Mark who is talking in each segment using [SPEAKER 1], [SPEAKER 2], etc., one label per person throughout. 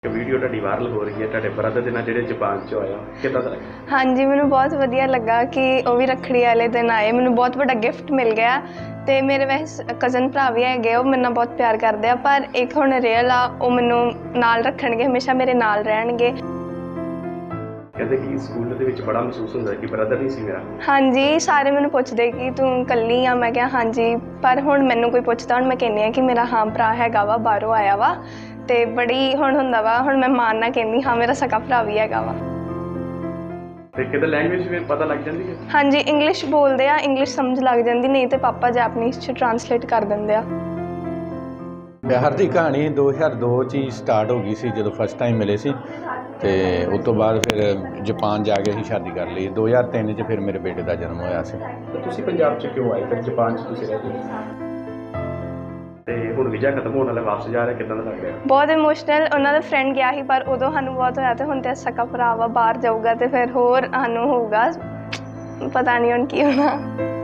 [SPEAKER 1] Video ਤੁਹਾਡੀ viral ਹੋ ਰਹੀ ਹੈ ਤੁਹਾਡੇ ਬ੍ਰਦਰ ਦੇ ਨਾਲ ਜਿਹੜੇ ਜਾਪਾਨ 'ਚ ਹੋਇਆ ਕਿੱਦਾਂ ਦਾ ਲੱਗਾ?
[SPEAKER 2] ਹਾਂਜੀ ਮੈਨੂੰ ਬਹੁਤ ਵਧੀਆ ਲੱਗਾ ਕਿ ਉਹ ਵੀ ਰੱਖੜੀ ਵਾਲੇ ਦਿਨ ਆਏ। ਮੈਨੂੰ ਬਹੁਤ ਵੱਡਾ ਗਿਫਟ ਮਿਲ ਗਿਆ ਅਤੇ ਮੇਰੇ ਵੈਸੇ ਕਜ਼ਨ ਭਰਾ ਵੀ ਹੈਗੇ, ਉਹ ਮੇਰੇ ਨਾਲ ਬਹੁਤ ਪਿਆਰ ਕਰਦੇ ਆ, ਪਰ ਇੱਕ ਹੁਣ ਰੀਅਲ ਆ, ਉਹ ਮੈਨੂੰ ਨਾਲ ਰੱਖਣਗੇ, ਹਮੇਸ਼ਾ ਮੇਰੇ ਨਾਲ ਰਹਿਣਗੇ।
[SPEAKER 1] ਕਹਿੰਦੇ ਕਿ ਸਕੂਲ ਦੇ ਵਿੱਚ ਬੜਾ ਮਹਿਸੂਸ ਹੁੰਦਾ ਕਿ ਬ੍ਰਦਰ ਨਹੀਂ ਸੀ ਮੇਰਾ।
[SPEAKER 2] ਹਾਂਜੀ ਸਾਰੇ ਮੈਨੂੰ ਪੁੱਛਦੇ ਕਿ ਤੂੰ ਇਕੱਲੀ ਆ, ਮੈਂ ਕਿਹਾ ਹਾਂਜੀ, ਪਰ ਹੁਣ ਮੈਨੂੰ ਕੋਈ ਪੁੱਛਦਾ ਹੁਣ ਮੈਂ ਕਹਿੰਦੀ ਹਾਂ ਕਿ ਮੇਰਾ ਹਾਂ ਭਰਾ ਹੈਗਾ ਵਾ, ਬਾਹਰੋਂ ਆਇਆ ਵਾ, ਅਤੇ ਬੜੀ ਹੁਣ ਹੁੰਦਾ ਵਾ, ਹੁਣ ਮੈਂ ਮਾਣ ਨਾਲ ਕਹਿੰਦੀ ਹਾਂ ਮੇਰਾ ਸਕਾ ਭਰਾ ਵੀ ਹੈਗਾ ਵਾ।
[SPEAKER 1] ਤੇ ਕਿਤੇ ਲੈਂਗੁਏਜ ਵੀ ਪਤਾ ਲੱਗ ਜਾਂਦੀ ਹੈ?
[SPEAKER 2] ਹਾਂਜੀ ਇੰਗਲਿਸ਼ ਬੋਲਦੇ ਆ, ਇੰਗਲਿਸ਼ ਸਮਝ ਲੱਗ ਜਾਂਦੀ, ਨਹੀਂ ਤੇ ਪਾਪਾ ਜੈਪਨੀਜ਼ 'ਚ ਟਰਾਂਸਲੇਟ ਕਰ ਦਿੰਦੇ ਆ।
[SPEAKER 3] ਪਿਆਰ ਦੀ ਕਹਾਣੀ 2002 'ਚ ਹੀ ਸਟਾਰਟ ਹੋ ਗਈ ਸੀ ਜਦੋਂ ਫਸਟ ਟਾਈਮ ਮਿਲੇ ਸੀ, ਅਤੇ ਉਸ ਤੋਂ ਬਾਅਦ ਫਿਰ ਜਾਪਾਨ ਜਾ ਕੇ ਹੀ ਸ਼ਾਦੀ ਕਰ ਲਈ। 2003 'ਚ ਫਿਰ ਮੇਰੇ ਬੇਟੇ ਦਾ ਜਨਮ ਹੋਇਆ ਸੀ।
[SPEAKER 1] ਤਾਂ ਤੁਸੀਂ ਪੰਜਾਬ 'ਚ ਕਿਉਂ ਆਏ ਫਿਰ ਜਾਪਾਨ 'ਚ ਤੁਸੀਂ ਰਹਿੰਦੇ? ਤੇ ਹੁਣ ਵੀਜ਼ਾ ਖਤਮ ਹੋਣ ਵਾਲਾ, ਵਾਪਸ ਜਾ ਰਿਹਾ, ਕਿੱਦਾਂ ਦਾ ਲੱਗ ਰਿਹਾ?
[SPEAKER 2] ਬਹੁਤ ਇਮੋਸ਼ਨਲ। ਉਹਨਾਂ ਦਾ ਫਰੈਂਡ ਗਿਆ ਸੀ ਪਰ ਉਦੋਂ ਸਾਨੂੰ ਬਹੁਤ ਹੋਇਆ, ਅਤੇ ਹੁਣ ਤਾਂ ਸਕਾ ਭਰਾ ਵਾ, ਬਾਹਰ ਜਾਊਗਾ ਅਤੇ ਫਿਰ ਹੋਰ ਸਾਨੂੰ ਹੋਊਗਾ, ਪਤਾ ਨਹੀਂ ਹੁਣ ਕੀ ਹੋਣਾ।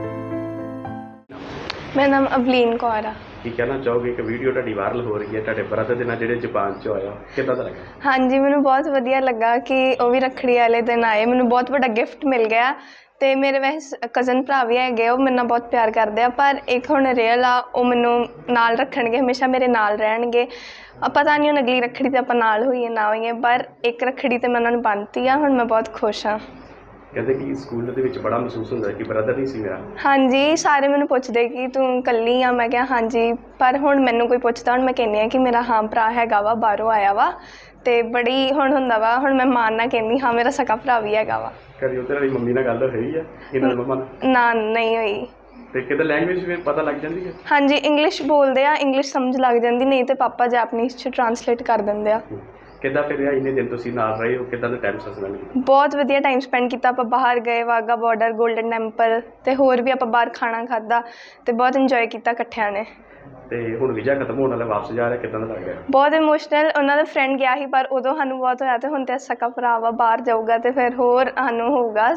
[SPEAKER 2] ਮੇਰਾ ਨਾਮ ਅਵਲੀਨ ਕੌਰ ਆ।
[SPEAKER 1] ਕੀ ਕਹਿਣਾ ਚਾਹੋਗੇ ਕਿ ਵੀਡੀਓ ਤੁਹਾਡੀ ਵਾਇਰਲ ਹੋ ਰਹੀ ਹੈ ਤੁਹਾਡੇ ਬ੍ਰਦਰ ਦੇ ਨਾਲ ਜਿਹੜੇ ਜਾਪਾਨ 'ਚ ਹੋਇਆ ਕਿੱਦਾਂ ਦਾ ਲੱਗਾ?
[SPEAKER 2] ਹਾਂਜੀ ਮੈਨੂੰ ਬਹੁਤ ਵਧੀਆ ਲੱਗਾ ਕਿ ਉਹ ਵੀ ਰੱਖੜੀ ਵਾਲੇ ਦਿਨ ਆਏ। ਮੈਨੂੰ ਬਹੁਤ ਵੱਡਾ ਗਿਫਟ ਮਿਲ ਗਿਆ ਅਤੇ ਮੇਰੇ ਵੈਸੇ ਕਜ਼ਨ ਭਰਾ ਵੀ ਹੈਗੇ, ਉਹ ਮੇਰੇ ਨਾਲ ਬਹੁਤ ਪਿਆਰ ਕਰਦੇ ਆ, ਪਰ ਇੱਕ ਹੁਣ ਰੀਅਲ ਆ, ਉਹ ਮੈਨੂੰ ਨਾਲ ਰੱਖਣਗੇ, ਹਮੇਸ਼ਾ ਮੇਰੇ ਨਾਲ ਰਹਿਣਗੇ। ਪਤਾ ਨਹੀਂ ਹੁਣ ਅਗਲੀ ਰੱਖੜੀ 'ਤੇ ਆਪਾਂ ਨਾਲ ਹੋਈਏ ਨਾ ਹੋਈਏ, ਪਰ ਇੱਕ ਰੱਖੜੀ 'ਤੇ ਮੈਂ ਉਹਨਾਂ ਨੂੰ ਬੰਨ੍ਹਤੀ ਆ, ਹੁਣ ਮੈਂ ਬਹੁਤ ਖੁਸ਼ ਹਾਂ।
[SPEAKER 1] ਕਹਿੰਦੇ ਕਿ ਸਕੂਲ ਦੇ ਵਿੱਚ ਬੜਾ ਮਹਿਸੂਸ ਹੁੰਦਾ ਕਿ ਬ੍ਰਦਰ ਨਹੀਂ ਸੀ ਮੇਰਾ।
[SPEAKER 2] ਹਾਂਜੀ ਸਾਰੇ ਮੈਨੂੰ ਪੁੱਛਦੇ ਕਿ ਤੂੰ ਇਕੱਲੀ ਆ, ਮੈਂ ਕਿਹਾ ਹਾਂਜੀ, ਪਰ ਹੁਣ ਮੈਨੂੰ ਕੋਈ ਪੁੱਛਦਾ ਹੁਣ ਮੈਂ ਕਹਿੰਦੀ ਹਾਂ ਕਿ ਮੇਰਾ ਹਾਂ ਭਰਾ ਹੈਗਾ ਵਾ, ਬਾਹਰੋਂ ਆਇਆ ਵਾ, ਅਤੇ ਬੜੀ ਹੁਣ ਹੁੰਦਾ ਵਾ, ਹੁਣ ਮੈਂ ਮਾਣ ਨਾਲ ਕਹਿੰਦੀ ਹਾਂ ਮੇਰਾ ਸਕਾ ਭਰਾ ਵੀ ਹੈਗਾ ਵਾ।
[SPEAKER 1] ਕਦੀ ਉਹਦੇ ਵਾਲੀ ਮੰਮੀ ਨਾਲ ਗੱਲ ਹੋਈ ਹੈ ਇਹਨਾਂ ਦੀ ਮੰਮਾ ਨਾਲ?
[SPEAKER 2] ਨਾ ਨਹੀਂ ਹੋਈ।
[SPEAKER 1] ਤੇ ਕਿਤੇ ਲੈਂਗੁਏਜ ਵੀ ਪਤਾ ਲੱਗ ਜਾਂਦੀ ਹੈ?
[SPEAKER 2] ਹਾਂਜੀ ਇੰਗਲਿਸ਼ ਬੋਲਦੇ ਆ, ਇੰਗਲਿਸ਼ ਸਮਝ ਲੱਗ ਜਾਂਦੀ, ਨਹੀਂ ਤੇ ਪਾਪਾ ਜੈਪਨੀਜ਼ 'ਚ ਟਰਾਂਸਲੇਟ ਕਰ ਦਿੰਦੇ ਆ।
[SPEAKER 1] ਕਿੱਦਾਂ ਫਿਰ ਇੰਨੇ ਦਿਨ ਤੁਸੀਂ ਨਾਲ ਰਹੇ ਹੋ, ਕਿੱਦਾਂ ਦਾ ਟਾਈਮ ਸਪੈਂਡ ਕੀਤਾ?
[SPEAKER 2] ਬਹੁਤ ਵਧੀਆ ਟਾਈਮ ਸਪੈਂਡ ਕੀਤਾ। ਆਪਾਂ ਬਾਹਰ ਗਏ, ਵਾਹਗਾ ਬਾਰਡਰ, ਗੋਲਡਨ ਟੈਂਪਲ, ਅਤੇ ਹੋਰ ਵੀ ਆਪਾਂ ਬਾਹਰ ਖਾਣਾ ਖਾਧਾ, ਅਤੇ ਬਹੁਤ ਇੰਜੋਏ ਕੀਤਾ ਇਕੱਠਿਆਂ ਨੇ।
[SPEAKER 1] ਤੇ ਹੁਣ ਵੀਜ਼ਾ ਖਤਮ ਹੋਣ ਵਾਲਾ, ਵਾਪਸ ਜਾ ਰਿਹਾ, ਕਿੱਦਾਂ ਦਾ ਲੱਗ ਰਿਹਾ? ਬਹੁਤ
[SPEAKER 2] ਇਮੋਸ਼ਨਲ। ਉਹਨਾਂ ਦਾ ਫਰੈਂਡ ਗਿਆ ਸੀ ਪਰ ਉਦੋਂ ਸਾਨੂੰ ਬਹੁਤ ਹੋਇਆ, ਅਤੇ ਹੁਣ ਤਾਂ ਸਕਾ ਭਰਾ ਵਾ, ਬਾਹਰ ਜਾਊਗਾ, ਅਤੇ ਫਿਰ ਹੋਰ ਸਾਨੂੰ ਹੋਊਗਾ,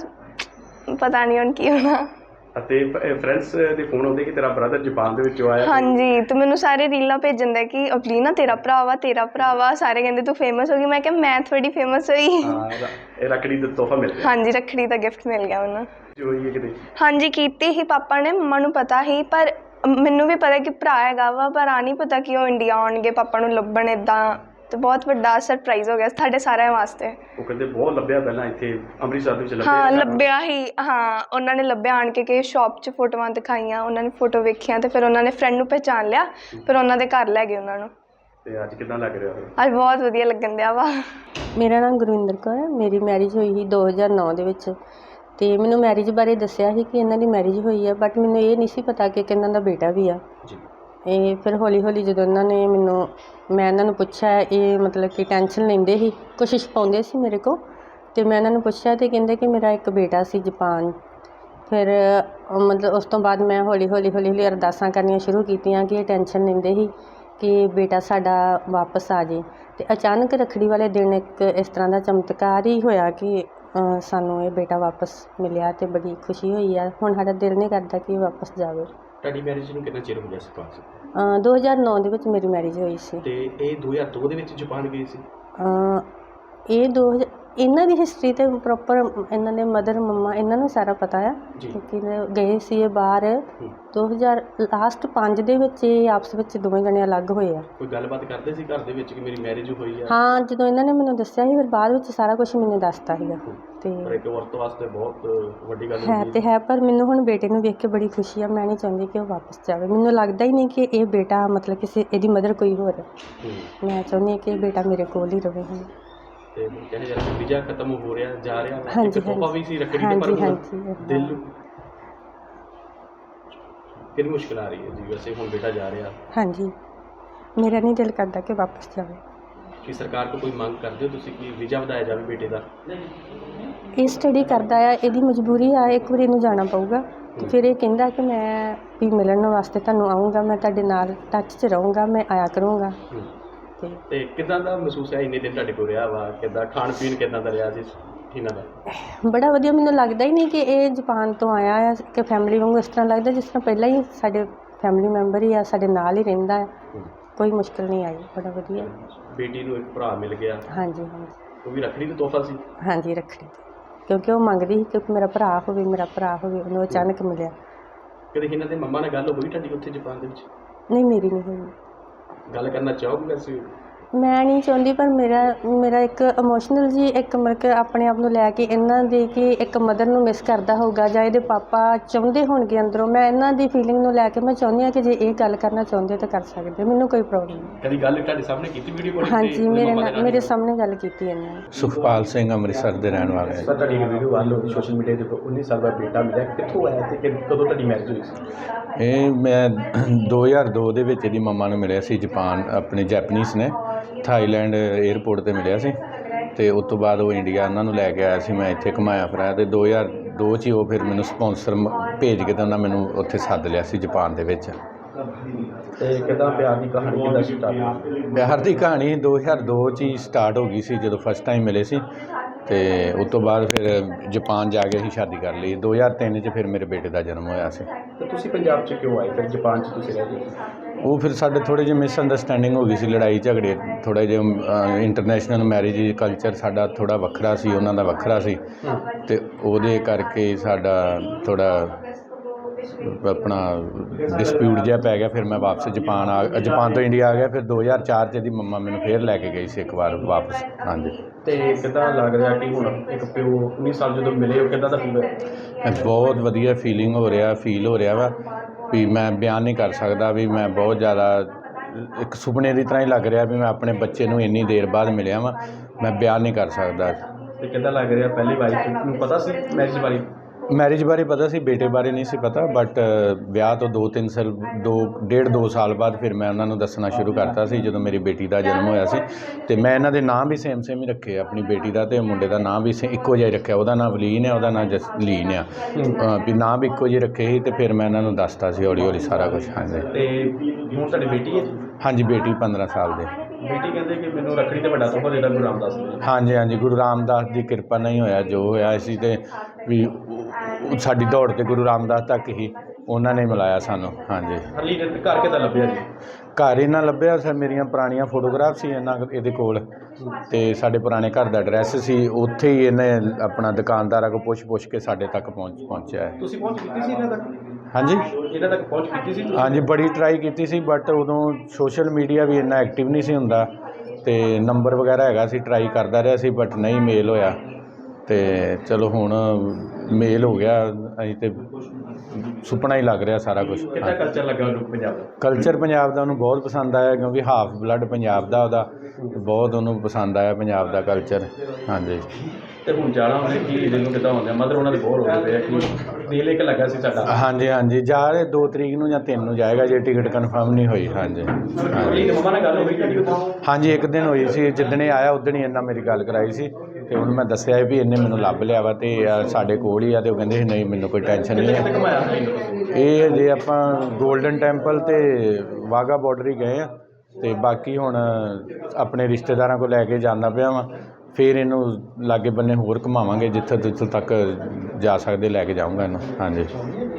[SPEAKER 2] ਪਤਾ ਨਹੀਂ ਹੁਣ ਕੀ ਹੋਣਾ।
[SPEAKER 1] ਅਤੇ ਫਰੈਂਡਸ ਦੇ ਫੋਨ ਆਉਂਦੇ ਕਿ ਤੇਰਾ ਬ੍ਰਦਰ ਜਾਪਾਨ ਦੇ ਵਿੱਚੋਂ ਆਇਆ?
[SPEAKER 2] ਹਾਂਜੀ ਅਤੇ ਮੈਨੂੰ ਸਾਰੇ ਰੀਲਾਂ ਭੇਜਣ ਦੇ ਕਿ ਅਵਲੀਨਾ ਤੇਰਾ ਭਰਾ ਵਾ, ਤੇਰਾ ਭਰਾ ਵਾ, ਸਾਰੇ ਕਹਿੰਦੇ ਤੂੰ ਫੇਮਸ ਹੋ ਗਈ। ਮੈਂ ਕਿਹਾ ਮੈਂ ਥੋੜੀ ਫੇਮਸ ਹੋਈ।
[SPEAKER 1] ਇਹ ਰੱਖੜੀ ਦਾ ਤੋਹਫਾ ਮਿਲ ਗਿਆ?
[SPEAKER 2] ਹਾਂਜੀ ਰੱਖੜੀ ਦਾ ਗਿਫਟ ਮਿਲ ਗਿਆ ਮੈਨੂੰ।
[SPEAKER 1] ਹੋਈ ਹੈ ਕਿਤੇ? ਹਾਂਜੀ
[SPEAKER 2] ਕੀਤੀ ਸੀ ਪਾਪਾ ਨੇ, ਮੰਮਾ ਨੂੰ ਪਤਾ ਸੀ, ਪਰ ਮੈਨੂੰ ਵੀ ਪਤਾ ਕਿ ਭਰਾ ਹੈਗਾ ਵਾ, ਪਰ ਆ ਨਹੀਂ ਪਤਾ ਕਿ ਉਹ ਇੰਡੀਆ ਆਉਣਗੇ ਪਾਪਾ ਨੂੰ ਲੱਭਣ, ਇੱਦਾਂ, ਅਤੇ ਬਹੁਤ ਵੱਡਾ ਸਰਪ੍ਰਾਈਜ਼ ਹੋ ਗਿਆ ਸਾਡੇ ਸਾਰਿਆਂ ਵਾਸਤੇ।
[SPEAKER 1] ਉਹ ਕਹਿੰਦੇ ਬਹੁਤ ਲੱਭਿਆ ਪਹਿਲਾਂ ਇੱਥੇ ਅੰਮ੍ਰਿਤਸਰ ਦੇ ਵਿੱਚ ਲੱਭਿਆ?
[SPEAKER 2] ਹਾਂ ਲੱਭਿਆ ਹੀ, ਹਾਂ ਉਹਨਾਂ ਨੇ ਲੱਭਿਆ, ਆਣ ਕੇ ਕਿਸੇ ਸ਼ੌਪ 'ਚ ਫੋਟੋਆਂ ਦਿਖਾਈਆਂ, ਉਹਨਾਂ ਨੇ ਫੋਟੋ ਵੇਖੀਆਂ, ਅਤੇ ਫਿਰ ਉਹਨਾਂ ਨੇ ਫਰੈਂਡ ਨੂੰ ਪਹਿਚਾਣ ਲਿਆ, ਫਿਰ ਉਹਨਾਂ ਦੇ ਘਰ ਲੈ ਗਏ ਉਹਨਾਂ ਨੂੰ।
[SPEAKER 1] ਅਤੇ ਅੱਜ ਕਿੱਦਾਂ ਲੱਗ ਰਿਹਾ?
[SPEAKER 2] ਅੱਜ ਬਹੁਤ ਵਧੀਆ ਲੱਗਣ ਦਿਆ ਵਾ।
[SPEAKER 4] ਮੇਰਾ ਨਾਮ ਗੁਰਵਿੰਦਰ ਕੌਰ ਹੈ। ਮੇਰੀ ਮੈਰਿਜ ਹੋਈ ਸੀ 2009 ਦੇ ਵਿੱਚ, ਅਤੇ ਮੈਨੂੰ ਮੈਰਿਜ ਬਾਰੇ ਦੱਸਿਆ ਸੀ ਕਿ ਇਹਨਾਂ ਦੀ ਮੈਰਿਜ ਹੋਈ ਹੈ, ਬਟ ਮੈਨੂੰ ਇਹ ਨਹੀਂ ਸੀ ਪਤਾ ਕਿ ਇਹਨਾਂ ਦਾ ਬੇਟਾ ਵੀ ਆ। ਇਹ ਫਿਰ ਹੌਲੀ ਹੌਲੀ ਜਦੋਂ ਮੈਂ ਇਹਨਾਂ ਨੂੰ ਪੁੱਛਿਆ, ਇਹ ਮਤਲਬ ਕਿ ਟੈਨਸ਼ਨ ਲੈਂਦੇ ਸੀ, ਕੋਸ਼ਿਸ਼ ਪਾਉਂਦੇ ਸੀ ਮੇਰੇ ਕੋਲ, ਅਤੇ ਮੈਂ ਇਹਨਾਂ ਨੂੰ ਪੁੱਛਿਆ ਅਤੇ ਕਹਿੰਦੇ ਕਿ ਮੇਰਾ ਇੱਕ ਬੇਟਾ ਸੀ ਜਾਪਾਨ। ਫਿਰ ਮਤਲਬ ਉਸ ਤੋਂ ਬਾਅਦ ਮੈਂ ਹੌਲੀ ਹੌਲੀ ਅਰਦਾਸਾਂ ਕਰਨੀਆਂ ਸ਼ੁਰੂ ਕੀਤੀਆਂ ਕਿ ਇਹ ਟੈਨਸ਼ਨ ਲੈਂਦੇ ਸੀ ਕਿ ਬੇਟਾ ਸਾਡਾ ਵਾਪਸ ਆ ਜਾਏ। ਅਤੇ ਅਚਾਨਕ ਰੱਖੜੀ ਵਾਲੇ ਦਿਨ ਇੱਕ ਇਸ ਤਰ੍ਹਾਂ ਦਾ ਚਮਤਕਾਰ ਹੀ ਹੋਇਆ ਕਿ ਸਾਨੂੰ ਇਹ ਬੇਟਾ ਵਾਪਸ ਮਿਲਿਆ, ਅਤੇ ਬੜੀ ਖੁਸ਼ੀ ਹੋਈ ਆ। ਹੁਣ ਸਾਡਾ ਦਿਲ ਨਹੀਂ ਕਰਦਾ ਕਿ ਇਹ ਵਾਪਸ ਜਾਵੇ।
[SPEAKER 1] ਤੁਹਾਡੀ ਮੈਰਿਜ ਨੂੰ ਕਿੰਨਾ ਚਿਰ ਹੋ ਗਿਆ ਸੀ?
[SPEAKER 4] 2009 ਦੇ ਵਿੱਚ ਮੇਰੀ ਮੈਰਿਜ ਹੋਈ ਸੀ।
[SPEAKER 1] ਅਤੇ ਇਹ 2002 ਦੇ ਵਿੱਚ ਜਾਪਾਨ ਗਈ ਸੀ?
[SPEAKER 4] ਇਹ ਇਹਨਾਂ ਦੀ ਹਿਸਟਰੀ ਤੇ ਪ੍ਰੋਪਰ ਇਹਨਾਂ ਦੇ ਮਦਰ ਮੰਮਾ ਇਹਨਾਂ ਨੂੰ ਸਾਰਾ ਪਤਾ ਆ, ਕਿਉਂਕਿ ਗਏ ਸੀ ਇਹ ਬਾਹਰ 2005 ਦੇ ਵਿੱਚ। ਇਹ ਆਪਸ ਵਿੱਚ ਦੋਵੇਂ ਜਣੇ ਅਲੱਗ ਹੋਏ ਆ।
[SPEAKER 1] ਕੋਈ ਗੱਲਬਾਤ ਕਰਦੇ ਸੀ ਘਰ ਦੇ ਵਿੱਚ ਕਿ ਮੇਰੀ ਮੈਰਿਜ ਹੋਈ ਆ?
[SPEAKER 4] ਹਾਂ ਜਦੋਂ ਇਹਨਾਂ ਨੇ ਮੈਨੂੰ ਦੱਸਿਆ ਸੀ, ਫਿਰ ਬਾਅਦ ਵਿੱਚ ਸਾਰਾ ਕੁਝ ਮੈਨੂੰ ਦੱਸਤਾ ਸੀਗਾ। ਅਤੇ
[SPEAKER 1] ਇੱਕ ਔਰਤ ਵਾਸਤੇ ਬਹੁਤ ਵੱਡੀ ਗੱਲ
[SPEAKER 4] ਹੈ ਤੇ ਹੈ, ਪਰ ਮੈਨੂੰ ਹੁਣ ਬੇਟੇ ਨੂੰ ਵੇਖ ਕੇ ਬੜੀ ਖੁਸ਼ੀ ਆ। ਮੈਂ ਨਹੀਂ ਚਾਹੁੰਦੀ ਕਿ ਉਹ ਵਾਪਸ ਜਾਵੇ। ਮੈਨੂੰ ਲੱਗਦਾ ਹੀ ਨਹੀਂ ਕਿ ਇਹ ਬੇਟਾ ਮਤਲਬ ਕਿਸੇ ਇਹਦੀ ਮਦਰ ਕੋਈ ਹੋਰ ਹੈ। ਮੈਂ ਚਾਹੁੰਦੀ ਹਾਂ ਕਿ ਇਹ ਬੇਟਾ ਮੇਰੇ ਕੋਲ ਹੀ ਰਹੇ ਹੁਣ।
[SPEAKER 1] ਤੇ ਕਹਿੰਦੇ ਜਦ ਵੀਜ਼ਾ ਖਤਮ ਹੋ ਰਿਹਾ, ਜਾ ਰਿਹਾ,
[SPEAKER 4] ਹਾਂਜੀ
[SPEAKER 1] ਤੋਹਫਾ ਵੀ ਸੀ ਰੱਖੜੀ ਤੇ, ਪਰ ਦਿਲ ਨੂੰ ਕਿੰਨੀ ਮੁਸ਼ਕਿਲ ਆ ਰਹੀ ਹੈ ਜੀ? ਵੈਸੇ ਹੁਣ ਬੇਟਾ ਜਾ ਰਿਹਾ।
[SPEAKER 4] ਹਾਂਜੀ ਮੇਰਾ ਨਹੀਂ ਦਿਲ ਕਰਦਾ ਕਿ ਵਾਪਸ ਜਾਵੇ।
[SPEAKER 1] ਕੀ ਸਰਕਾਰ ਤੋਂ ਕੋਈ ਮੰਗ ਕਰਦੇ ਹੋ ਤੁਸੀਂ ਕਿ ਵੀਜ਼ਾ ਵਧਾਇਆ ਜਾਵੇ ਬੇਟੇ ਦਾ?
[SPEAKER 4] ਇਹ ਸਟੱਡੀ ਕਰਦਾ ਆ, ਇਹਦੀ ਮਜਬੂਰੀ ਆ, ਇੱਕ ਵਾਰੀ ਇਹਨੂੰ ਜਾਣਾ ਪਊਗਾ। ਫਿਰ ਇਹ ਕਹਿੰਦਾ ਕਿ ਮੈਂ ਵੀ ਮਿਲਣ ਵਾਸਤੇ ਤੁਹਾਨੂੰ ਆਊਂਗਾ, ਮੈਂ ਤੁਹਾਡੇ ਨਾਲ ਟੱਚ 'ਚ ਰਹੂੰਗਾ, ਮੈਂ ਆਇਆ ਕਰੂੰਗਾ।
[SPEAKER 1] ਤੇ ਕਿੱਦਾਂ ਦਾ ਮਹਿਸੂਸ ਹੈ ਇੰਨੇ ਦਿਨ ਤੁਹਾਡੇ ਕੋਲ ਰਿਹਾ ਵਾ? ਕਿੱਦਾਂ ਖਾਣ ਪੀਣ ਕਿੱਦਾਂ ਦਾ ਰਿਹਾ ਸੀ ਇਹਨਾਂ ਦਾ?
[SPEAKER 4] ਬੜਾ ਵਧੀਆ। ਮੈਨੂੰ ਲੱਗਦਾ ਹੀ ਨਹੀਂ ਕਿ ਇਹ ਜਾਪਾਨ ਤੋਂ ਆਇਆ ਆ ਕਿ ਫੈਮਿਲੀ ਵਾਂਗੂ, ਇਸ ਤਰ੍ਹਾਂ ਲੱਗਦਾ ਜਿਸ ਤਰ੍ਹਾਂ ਪਹਿਲਾਂ ਹੀ ਸਾਡੇ ਫੈਮਿਲੀ ਮੈਂਬਰ ਹੀ ਆ, ਸਾਡੇ ਨਾਲ ਹੀ ਰਹਿੰਦਾ ਆ। ਕੋਈ ਮੁਸ਼ਕਿਲ ਨਹੀਂ ਆਈ, ਬੜਾ ਵਧੀਆ।
[SPEAKER 1] ਬੇਟੀ ਨੂੰ ਇੱਕ ਭਰਾ ਮਿਲ ਗਿਆ,
[SPEAKER 4] ਹਾਂਜੀ ਹਾਂਜੀ
[SPEAKER 1] ਉਹ ਵੀ ਰੱਖੜੀ ਦਾ ਤੋਹਫਾ ਸੀ।
[SPEAKER 4] ਹਾਂਜੀ ਰੱਖੜੀ ਤੇ, ਕਿਉਂਕਿ ਉਹ ਮੰਗਦੀ ਸੀ ਕਿ ਮੇਰਾ ਭਰਾ ਹੋਵੇ, ਮੇਰਾ ਭਰਾ ਹੋਵੇ, ਉਹਨੂੰ ਅਚਾਨਕ ਮਿਲਿਆ।
[SPEAKER 1] ਕਦੇ ਇਹਨਾਂ ਦੇ ਮੰਮਾ ਨਾਲ ਗੱਲ ਹੋਈ ਤੁਹਾਡੀ ਉੱਥੇ ਜਾਪਾਨ ਦੇ ਵਿੱਚ?
[SPEAKER 4] ਨਹੀਂ, ਮੇਰੀ ਨਹੀਂ ਹੋਈ।
[SPEAKER 1] ਗੱਲ ਕਰਨਾ ਚਾਹੋਗੇ ਵੈਸੇ?
[SPEAKER 4] ਮੈਂ ਨਹੀਂ ਚਾਹੁੰਦੀ, ਪਰ ਮੇਰਾ ਇੱਕ ਇਮੋਸ਼ਨਲ ਜੀ ਇੱਕ ਮਤਲਬ ਕਿ ਆਪਣੇ ਆਪ ਨੂੰ ਲੈ ਕੇ ਇਹਨਾਂ ਦੀ ਕਿ ਇੱਕ ਮਦਰ ਨੂੰ ਮਿਸ ਕਰਦਾ ਹੋਊਗਾ ਜਾਂ ਇਹਦੇ ਪਾਪਾ ਚਾਹੁੰਦੇ ਹੋਣਗੇ ਅੰਦਰੋਂ, ਮੈਂ ਇਹਨਾਂ ਦੀ ਫੀਲਿੰਗ ਨੂੰ ਲੈ ਕੇ ਮੈਂ ਚਾਹੁੰਦੀ ਹਾਂ ਕਿ ਜੇ ਇਹ ਗੱਲ ਕਰਨਾ ਚਾਹੁੰਦੇ ਤਾਂ ਕਰ ਸਕਦੇ, ਮੈਨੂੰ ਕੋਈ ਪ੍ਰੋਬਲਮ ਨਹੀਂ।
[SPEAKER 1] ਕਦੀ ਗੱਲ ਤੁਹਾਡੇ ਸਾਹਮਣੇ ਕੀਤੀ ਵੀਡੀਓ ਕਾਲ?
[SPEAKER 4] ਹਾਂਜੀ, ਮੇਰੇ ਸਾਹਮਣੇ ਗੱਲ ਕੀਤੀ ਇਹਨਾਂ ਨੇ।
[SPEAKER 3] ਸੁਖਪਾਲ ਸਿੰਘ ਅੰਮ੍ਰਿਤਸਰ ਦੇ ਰਹਿਣ ਵਾਲੇ ਹੈ।
[SPEAKER 1] ਸਰ ਤੁਹਾਡੀ ਵੀਡੀਓ ਵਾਇਰਲ ਹੋਈ ਸੋਸ਼ਲ ਮੀਡੀਆ ਤੇ, 19 ਸਾਲ ਦਾ ਬੇਟਾ ਮਿਲਿਆ, ਕਿੱਥੋਂ ਆਇਆ ਤੇ ਕਦੋਂ ਤੁਹਾਡੀ ਮੈਰਿਜ ਹੋਈ ਸੀ?
[SPEAKER 3] ਇਹ ਮੈਂ 2002 ਦੇ ਵਿੱਚ ਇਹਦੀ ਮੰਮਾ ਨੂੰ ਮਿਲਿਆ ਸੀ, ਜਾਪਾਨ ਆਪਣੇ ਜੈਪਨੀਜ਼ ਨੇ, ਥਾਈਲੈਂਡ 에ਅਰਪੋਰਟ ਤੇ ਮਿਲਿਆ ਸੀ ਤੇ ਉਸ ਤੋਂ ਬਾਅਦ ਉਹ ਇੰਡੀਆ ਉਹਨਾਂ ਨੂੰ ਲੈ ਕੇ ਆਇਆ ਸੀ। ਮੈਂ ਇੱਥੇ ਘੁਮਾਇਆ ਫਿਰਾਇਆ ਤੇ 2002 'ਚ ਹੀ ਉਹ ਫਿਰ ਮੈਨੂੰ ਸਪਾਂਸਰ ਭੇਜ ਕੇ ਤੇ ਉਹਨਾਂ ਮੈਨੂੰ ਉੱਥੇ ਸੱਦ ਲਿਆ ਸੀ ਜਾਪਾਨ ਦੇ ਵਿੱਚ।
[SPEAKER 1] ਤੇ ਕਿੱਦਾਂ ਪਿਆਰ ਦੀ ਕਹਾਣੀ ਕਿੱਦਾਂ ਸਟਾਰਟ?
[SPEAKER 3] ਪਿਆਰ ਦੀ ਕਹਾਣੀ 2002 'ਚ ਹੀ ਸਟਾਰਟ ਹੋ ਗਈ ਸੀ ਜਦੋਂ ਫਸਟ ਟਾਈਮ ਮਿਲੇ ਸੀ ਤੇ ਉਸ ਤੋਂ ਬਾਅਦ ਫਿਰ ਜਾਪਾਨ ਜਾ ਕੇ ਅਸੀਂ ਸ਼ਾਦੀ ਕਰ ਲਈ। 2003 'ਚ ਫਿਰ ਮੇਰੇ ਬੇਟੇ ਦਾ ਜਨਮ ਹੋਇਆ ਸੀ।
[SPEAKER 1] ਤੇ ਤੁਸੀਂ ਪੰਜਾਬ 'ਚ ਕਿਉਂ ਆਏ ਫਿਰ ਜਾਪਾਨ 'ਚ ਤੁਸੀਂ ਰਹਿ ਗਏ?
[SPEAKER 3] ਉਹ ਫਿਰ ਸਾਡੇ ਥੋੜ੍ਹੇ ਜਿਹੇ ਮਿਸਅੰਡਰਸਟੈਂਡਿੰਗ ਹੋ ਗਈ ਸੀ, ਲੜਾਈ ਝਗੜੇ, ਥੋੜ੍ਹਾ ਜਿਹਾ ਇੰਟਰਨੈਸ਼ਨਲ ਮੈਰਿਜ ਕਲਚਰ ਸਾਡਾ ਥੋੜ੍ਹਾ ਵੱਖਰਾ ਸੀ, ਉਹਨਾਂ ਦਾ ਵੱਖਰਾ ਸੀ ਤੇ ਉਹਦੇ ਕਰਕੇ ਸਾਡਾ ਥੋੜ੍ਹਾ ਆਪਣਾ ਡਿਸਪਿਊਟ ਜਿਹਾ ਪੈ ਗਿਆ। ਫਿਰ ਮੈਂ ਵਾਪਸ ਜਾਪਾਨ ਤੋਂ ਇੰਡੀਆ ਆ ਗਿਆ। ਫਿਰ 2004 'ਚ ਇਹਦੀ ਮੰਮਾ ਮੈਨੂੰ ਫੇਰ ਲੈ ਕੇ ਗਈ ਸੀ ਇੱਕ ਵਾਰ ਵਾਪਸ। ਹਾਂਜੀ।
[SPEAKER 1] ਤੇ ਕਿੱਦਾਂ ਲੱਗ ਰਿਹਾ ਕਿ ਹੁਣ ਇੱਕ ਪਿਓ 19 ਸਾਲ ਜਦੋਂ ਮਿਲੇ, ਉਹ ਕਿੱਦਾਂ ਦਾ ਫੀਲ ਹੋਇਆ?
[SPEAKER 3] ਬਹੁਤ ਵਧੀਆ ਫੀਲ ਹੋ ਰਿਹਾ ਵਾ ਵੀ ਮੈਂ ਬਿਆਨ ਨਹੀਂ ਕਰ ਸਕਦਾ ਵੀ ਮੈਂ ਬਹੁਤ ਜ਼ਿਆਦਾ ਇੱਕ ਸੁਪਨੇ ਦੀ ਤਰ੍ਹਾਂ ਹੀ ਲੱਗ ਰਿਹਾ ਵੀ ਮੈਂ ਆਪਣੇ ਬੱਚੇ ਨੂੰ ਇੰਨੀ ਦੇਰ ਬਾਅਦ ਮਿਲਿਆ ਵਾਂ, ਮੈਂ ਬਿਆਨ ਨਹੀਂ ਕਰ ਸਕਦਾ।
[SPEAKER 1] ਤੇ ਕਿੱਦਾਂ ਲੱਗ ਰਿਹਾ? ਪਹਿਲੀ ਵਾਈਫ ਨੂੰ ਪਤਾ ਸੀ ਮੈਰਿਜ ਬਾਰੇ
[SPEAKER 3] ਪਤਾ ਸੀ, ਬੇਟੇ ਬਾਰੇ ਨਹੀਂ ਸੀ ਪਤਾ, ਬਟ ਵਿਆਹ ਤੋਂ 2 ਸਾਲ ਬਾਅਦ ਫਿਰ ਮੈਂ ਉਹਨਾਂ ਨੂੰ ਦੱਸਣਾ ਸ਼ੁਰੂ ਕਰਤਾ ਸੀ ਜਦੋਂ ਮੇਰੀ ਬੇਟੀ ਦਾ ਜਨਮ ਹੋਇਆ ਸੀ। ਤੇ ਮੈਂ ਇਹਨਾਂ ਦੇ ਨਾਂ ਵੀ ਸੇਮ ਹੀ ਰੱਖੇ, ਆਪਣੀ ਬੇਟੀ ਦਾ ਤੇ ਮੁੰਡੇ ਦਾ ਨਾਂ ਵੀ ਇੱਕੋ ਜਿਹਾ ਹੀ ਰੱਖਿਆ। ਉਹਦਾ ਨਾਂ ਵਲੀਨ ਹੈ, ਉਹਦਾ ਨਾਂ ਜਸਲੀਨ ਆ, ਵੀ ਨਾਂ ਵੀ ਇੱਕੋ ਜਿਹੇ ਰੱਖੇ ਸੀ। ਤੇ ਫਿਰ ਮੈਂ ਇਹਨਾਂ ਨੂੰ ਦੱਸਤਾ ਸੀ ਹੌਲੀ ਹੌਲੀ ਸਾਰਾ ਕੁਝ। ਹਾਂਜੀ।
[SPEAKER 1] ਤੇ ਹੁਣ ਤੁਹਾਡੀ ਬੇਟੀ ਹੈ?
[SPEAKER 3] ਹਾਂਜੀ, ਬੇਟੀ 15 ਸਾਲ ਦੇ।
[SPEAKER 1] ਬੇਟੀ ਕਹਿੰਦੇ ਕਿ ਮੈਨੂੰ ਰੱਖੜੀ ਤੇ ਵੱਡਾ ਤੋਹਫਾ ਦੇਦਾ ਗੁਰੂ ਰਾਮਦਾਸ ਨੇ।
[SPEAKER 3] ਹਾਂਜੀ, ਗੁਰੂ ਰਾਮਦਾਸ ਦੀ ਕਿਰਪਾ ਨਹੀਂ ਹੋਇਆ ਜੋ ਹੋਇਆ ਸੀ, ਤੇ ਵੀ ਸਾਡੀ ਦੌੜ ਤੇ ਗੁਰੂ ਰਾਮਦਾਸ ਤੱਕ ਹੀ ਉਹਨਾਂ ਨੇ ਮਿਲਾਇਆ ਸਾਨੂੰ। ਹਾਂਜੀ।
[SPEAKER 1] ਹਰਲੀ ਘਰ ਕਿੱਦਾਂ ਲੱਭਿਆ ਜੀ?
[SPEAKER 3] ਘਰ ਇਹਨਾਂ ਲੱਭਿਆ ਸਰ, ਮੇਰੀਆਂ ਪੁਰਾਣੀਆਂ ਫੋਟੋਗ੍ਰਾਫ ਸੀ ਇਹਦੇ ਕੋਲ ਤੇ ਸਾਡੇ ਪੁਰਾਣੇ ਘਰ ਦਾ ਐਡਰੈਸ ਸੀ, ਉੱਥੇ ਹੀ ਇਹਨੇ ਆਪਣਾ ਦੁਕਾਨਦਾਰਾਂ ਕੋਲ ਪੁੱਛ ਕੇ ਸਾਡੇ ਤੱਕ ਪਹੁੰਚਿਆ ਹੈ।
[SPEAKER 1] ਤੁਸੀਂ ਪਹੁੰਚ ਕੀਤੀ ਸੀ ਇਹਨਾਂ ਤੱਕ?
[SPEAKER 3] ਹਾਂਜੀ,
[SPEAKER 1] ਇਹਨਾਂ ਤੱਕ ਪਹੁੰਚ ਕੀਤੀ ਸੀ?
[SPEAKER 3] ਹਾਂਜੀ, ਬੜੀ ਟਰਾਈ ਕੀਤੀ ਸੀ, ਬਟ ਉਦੋਂ ਸੋਸ਼ਲ ਮੀਡੀਆ ਵੀ ਇੰਨਾ ਐਕਟਿਵ ਨਹੀਂ ਸੀ ਹੁੰਦਾ ਤੇ ਨੰਬਰ ਵਗੈਰਾ ਹੈਗਾ ਸੀ, ਟਰਾਈ ਕਰਦਾ ਰਿਹਾ ਸੀ ਬਟ ਨਹੀਂ ਮੇਲ ਹੋਇਆ। ਤੇ ਚਲੋ ਹੁਣ ਮੇਲ ਹੋ ਗਿਆ, ਅਸੀਂ ਤੇ ਸੁਪਨਾ ਹੀ ਲੱਗ ਰਿਹਾ ਸਾਰਾ ਕੁਝ।
[SPEAKER 1] ਕਿੱਦਾਂ ਕਲਚਰ ਲੱਗਾ ਉਹਨੂੰ ਪੰਜਾਬ ਦਾ?
[SPEAKER 3] ਕਲਚਰ ਪੰਜਾਬ ਦਾ ਉਹਨੂੰ ਬਹੁਤ ਪਸੰਦ ਆਇਆ, ਕਿਉਂਕਿ ਹਾਫ ਬਲੱਡ ਪੰਜਾਬ ਦਾ ਉਹਦਾ, ਬਹੁਤ ਉਹਨੂੰ ਪਸੰਦ ਆਇਆ ਪੰਜਾਬ ਦਾ ਕਲਚਰ। ਹਾਂਜੀ।
[SPEAKER 1] ਤੇ ਹੁਣ ਜਾਣਾ ਉਹਨੇ ਕੀ ਇਹਨੂੰ ਕਿੱਦਾਂ ਹੁੰਦਾ? ਮਦਰ ਉਹਨਾਂ ਦੇ ਬੋਰ ਹੋ ਗਏ ਕਿ ਦਿਲ ਇੱਕ ਲੱਗਾ ਸੀ ਸਾਡਾ।
[SPEAKER 3] ਹਾਂਜੀ, ਜਾ ਰਹੇ 2 ਤਰੀਕ ਨੂੰ ਜਾਂ 3 ਨੂੰ ਜਾਏਗਾ ਜੇ ਟਿਕਟ ਕਨਫਰਮ ਨਹੀਂ ਹੋਈ। ਹਾਂਜੀ।
[SPEAKER 1] ਮੰਮਾ ਨਾਲ ਗੱਲ ਹੋਈ ਤੁਹਾਡੀ?
[SPEAKER 3] ਹਾਂਜੀ, ਇੱਕ ਦਿਨ ਹੋਈ ਸੀ, ਜਿੱਦਣ ਇਹ ਆਇਆ ਉਦਣ ਹੀ ਇਹਨਾਂ ਮੇਰੀ ਗੱਲ ਕਰਾਈ ਸੀ ਤੇ ਹੁਣ ਮੈਂ ਦੱਸਿਆ ਵੀ ਇਹਨੇ ਮੈਨੂੰ ਲੱਭ ਲਿਆ ਵਾ ਤੇ ਸਾਡੇ ਕੋਲ ਹੀ ਆ, ਤੇ ਉਹ ਕਹਿੰਦੇ ਨਹੀਂ ਮੈਨੂੰ ਕੋਈ ਟੈਨਸ਼ਨ ਨਹੀਂ ਹੈ। ਇਹ ਜੇ ਆਪਾਂ ਗੋਲਡਨ ਟੈਂਪਲ ਤੇ ਵਾਹਗਾ ਬਾਰਡਰ ਹੀ ਗਏ ਆ ਤੇ ਬਾਕੀ ਹੁਣ ਆਪਣੇ ਰਿਸ਼ਤੇਦਾਰਾਂ ਕੋਲ ਲੈ ਕੇ ਜਾਂਦਾ ਪਿਆ ਵਾਂ, ਫਿਰ ਇਹਨੂੰ ਲਾਗੇ ਬੰਨੇ ਹੋਰ ਘੁਮਾਵਾਂਗੇ, ਜਿੱਥੇ ਤੱਕ ਜਾ ਸਕਦੇ ਲੈ ਕੇ ਜਾਊਂਗਾ ਇਹਨੂੰ। ਹਾਂਜੀ।